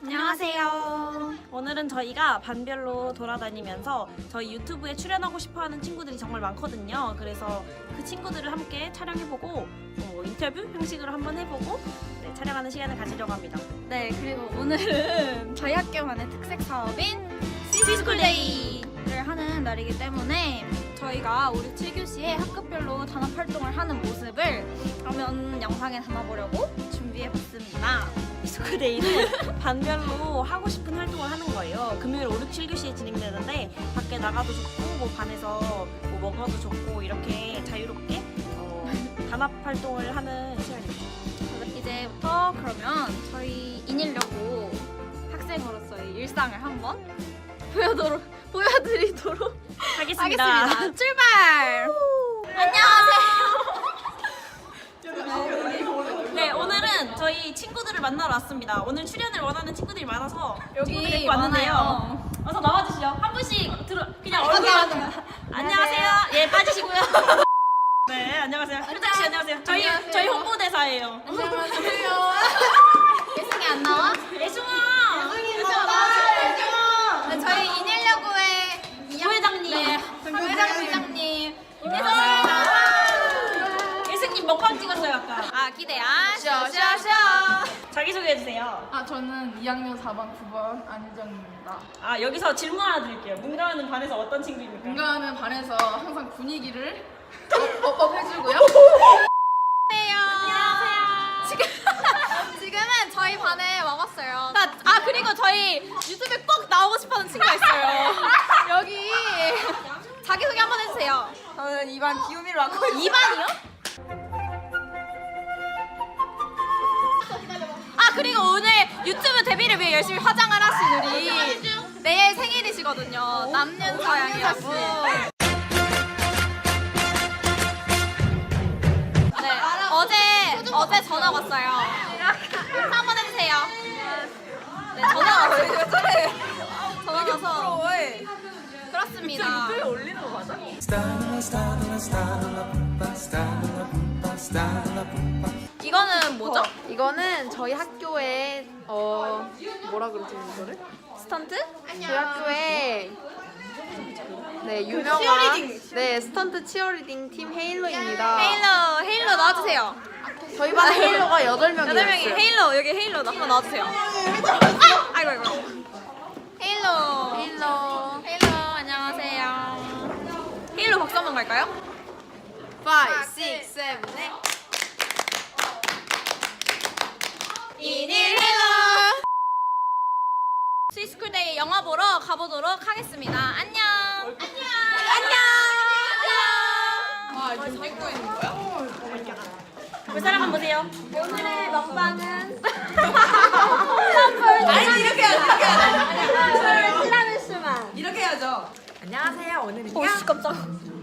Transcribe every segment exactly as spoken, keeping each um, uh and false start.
안녕하세요. 오늘은 저희가 반별로 돌아다니면서 저희 유튜브에 출연하고 싶어하는 친구들이 정말 많거든요. 그래서 그 친구들을 함께 촬영해보고 어, 인터뷰 형식으로 한번 해보고 네, 촬영하는 시간을 가지려고 합니다. 네, 그리고 오늘은 저희 학교만의 특색 사업인 시스쿨데이를 하는 날이기 때문에 저희가 우리 칠 교시에 학급별로 단합 활동을 하는 모습을 화면 영상에 담아보려고 준비해봤습니다. 시스쿨데이는 반별로 하고 싶은 활동을 하는 거예요. 금요일 오, 육, 칠 교시에 진행되는데 밖에 나가도 좋고 뭐 반에서 뭐 먹어도 좋고 이렇게 자유롭게 어, 단합 활동을 하는 시간입니다. 이제부터 그러면 저희 인일여고 학생으로서의 일상을 한번 보여도록, 보여드리도록 하겠습니다. 하겠습니다. 출발! 안녕하세요. 네, 오늘은 저희 친구들을 만나러 왔습니다. 오늘 출연을 원하는 친구들이 많아서 친구들이 데리고 왔는데요. 많아요. 어서 나와주시죠. 한 분씩 들어 그냥 아, 얼굴 안녕하세요. 안녕하세요. 예, 빠지시고요. 네, 안녕하세요. 현정 씨 안녕하세요. 저희 안녕하세요. 저희 홍보대사예요. 안녕하세요. 예승이 안 나와? 예승아. 네, 저희 인일여고의 부회장님. 네, 부회장님. 예승님 먹방 찍었어요 아까. 아, 기대야. 쇼쇼쇼. 자기 소개해 주세요. 아, 저는 이 학년 사 반 구 번 안희정입니다. 아, 여기서 질문 하나 드릴게요. 문가하는 반에서 어떤 친구입니까? 인간은 반에서 항상 분위기를 업, 업 해주고요. 안녕하세요. 지금 지금은 저희 반에 와봤어요. 나, 아 그리고 저희 유튜브에 꼭 나오고 싶어하는 친구가 있어요. 여기 자기 소개 한번 해주세요. 저는 이 반 기우미로 왔거든요. 이 반이요? 아 그리고 오늘 유튜브 데뷔를 위해 열심히 화장을 하신 우리 내일 생일이시거든요. 남윤서 양이라고. 네, 어제 어제 전화 왔어요. 인사 한번 해주세요. 네, 전화 왔어요. 전화 와서 그렇습니다. 올리는 거 맞아? 이거는 뭐죠? 이거는 저희 학교에 어 뭐라 그러지 이거를? 스턴트? 저희 학교에 네 유명한 네 스턴트 치어리딩 팀 헤일로입니다. 헤일로 헤일로 나와주세요. 저희 반 헤일로가 여덟 명이었어요. 여덟 명이 헤일로 여기 헤일로 나 한번 나와주세요. 아! 아이고 아이고. 헤일로 헤일로 헤일로 안녕하세요. 헤일로 박수 한번 갈까요? five, six, seven, eight. 인일 헬로 스위스쿨데이 영화 보러 가보도록 하겠습니다. 안녕. 안녕. 안녕. 아, 지금 찍고 있는 거야? 볼 사람 한번 보세요. 오늘의 먹방은 아니, 이렇게 해야지, 이렇게 해야지. 티라미수만. 이렇게 해야죠. 안녕하세요. 오늘은요. 오씨 깜짝.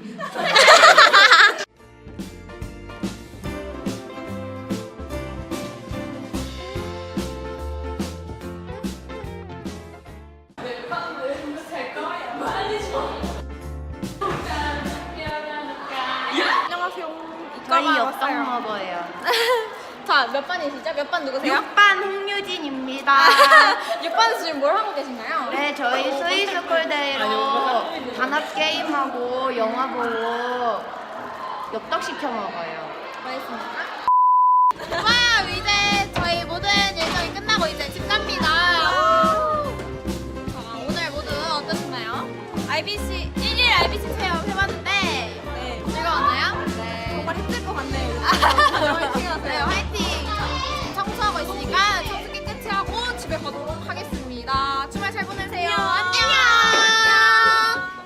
저희 옆반 머버예요. 자, 몇 반이시죠? 몇 반 누구세요? 육 반 홍유진입니다. 육 반에서 지금 뭘 하고 계신가요? 네, 저희 스위스쿨데이로 단합 게임하고 영화 보고 엽떡 시켜 먹어요. 맛있습니까? 와, 이제 저희 모든 일정이 끝나고 이제 집 갑니다. 자, 오늘 모두 어떠셨나요? 아이비씨 일일 아이비씨 체험 해봤는데 네. 즐거웠나요? 네. 정말 힘들 것 같네요. 정말 즐거웠어요. 화이팅! 지금 청소하고 있으니까 청소